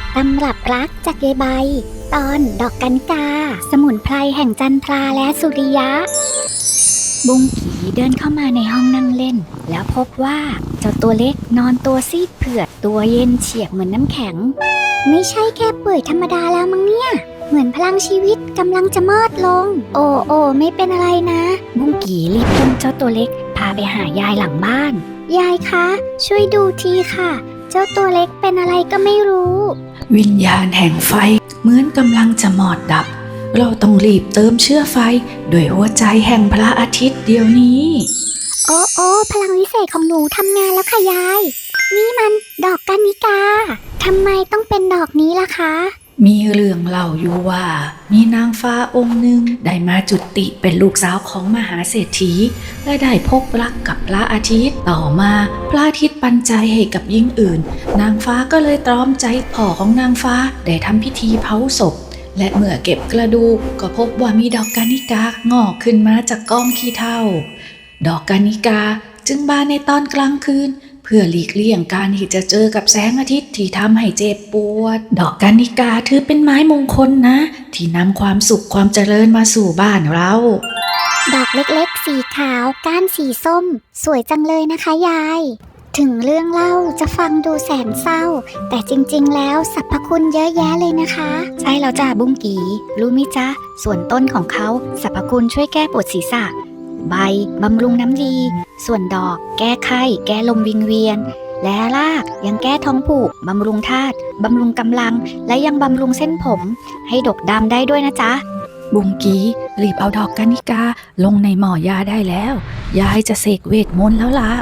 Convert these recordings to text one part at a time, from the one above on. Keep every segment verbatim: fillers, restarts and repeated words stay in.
ตำรับรักจากยายใบตอนดอกกัญกาสมุนไพรแห่งจันทราและสุริยะบุ้งกีเดินเข้ามาในห้องนั่งเล่นแล้วพบว่าเจ้าตัวเล็กนอนตัวซีดเผือดตัวเย็นเฉียบเหมือนน้ำแข็งไม่ใช่แค่เปื่อยธรรมดาแล้วมั้งเนี่ยเหมือนพลังชีวิตกำลังจะมอดลงโอ้โอ้ไม่เป็นอะไรนะบุ้งกีรีบอุ้มเจ้าตัวเล็กพาไปหายายหลังบ้านยายคะช่วยดูทีค่ะเจ้าตัวเล็กเป็นอะไรก็ไม่รู้วิญญาณแห่งไฟเหมือนกำลังจะหมอดดับเราต้องรีบเติมเชื้อไฟด้วยหัวใจแห่งพระอาทิตย์เดี๋ยวนี้โอ้โอ้พลังวิเศษของหนูทำงานแล้วค่ะยายนี่มันดอกกัญญิกาทำไมต้องเป็นดอกนี้ล่ะคะมีเรื่องเล่าอยู่ว่ามีนางฟ้าองค์หนึ่งได้มาจุติเป็นลูกสาวของมหาเศรษฐีและได้พบรักกับพระอาทิตย์ต่อมาพระอาทิตย์ปันใจให้กับหญิงอื่นนางฟ้าก็เลยตรอมใจพ่อของนางฟ้าได้ทำพิธีเผาศพและเมื่อเก็บกระดูกก็พบว่ามีดอกกัญญิกางอกขึ้นมาจากกองขี้เถ้าดอกกัญญิกาจึงบานในตอนกลางคืนเพื่อหลีกเลี่ยงการที่จะเจอกับแสงอาทิตย์ที่ทำให้เจ็บปวดดอกกัญญิกาถือเป็นไม้มงคลนะที่นำความสุขความเจริญมาสู่บ้านเราดอกเล็กๆสีขาวก้านสีส้มสวยจังเลยนะคะยายถึงเรื่องเล่าจะฟังดูแสนเศร้าแต่จริงๆแล้วสรรพคุณเยอะแยะเลยนะคะใช่แล้วจ้าบุ้งกีรู้มิจ๊ะส่วนต้นของเขาสรรพคุณช่วยแก้ปวดศีรษะใบบำรุงน้ำดีส่วนดอกแก้ไข้แก้ลมวิงเวียนและรากยังแก้ท้องผูกบำรุงธาตุบำรุงกำลังและยังบำรุงเส้นผมให้ดกดำได้ด้วยนะจ๊ะบุ้งกีรีบเอาดอกกัญญิกาลงในหม้อยาได้แล้วยายจะเสกเวทมนต์แล้วล่ะ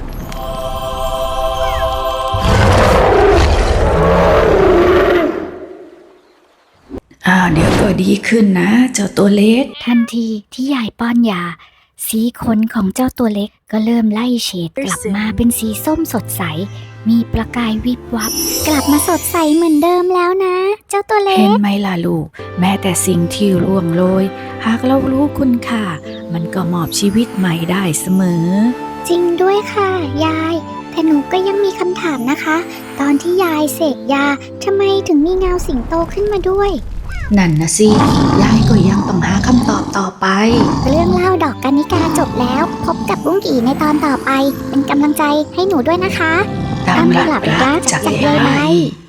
อ่าเดี๋ยวก็ดีขึ้นนะเจ้าตัวเล็กทันทีที่ยายป้อนยาสีขนของเจ้าตัวเล็กก็เริ่มไล่เฉดกลับมาเป็นสีส้มสดใสมีประกายวิบวับกลับมาสดใสเหมือนเดิมแล้วนะเจ้าตัวเล็กเห็นไหมล่ะลูกแม้แต่สิ่งที่ร่วงโรยหากเรารู้คุณค่ามันก็มอบชีวิตใหม่ได้เสมอจริงด้วยค่ะยายแต่หนูก็ยังมีคำถามนะคะตอนที่ยายเสกยาทำไมถึงมีเงาสิงโตขึ้นมาด้วยนั่นนะสิยายก็ยังต้องหาคำตอบต่อไปเรื่องเล่าดอกกัญญิกาจบแล้วพบกับบุ้งกี่ในตอนต่อไปเป็นกำลังใจให้หนูด้วยนะคะตามหลักรักจากยายใบ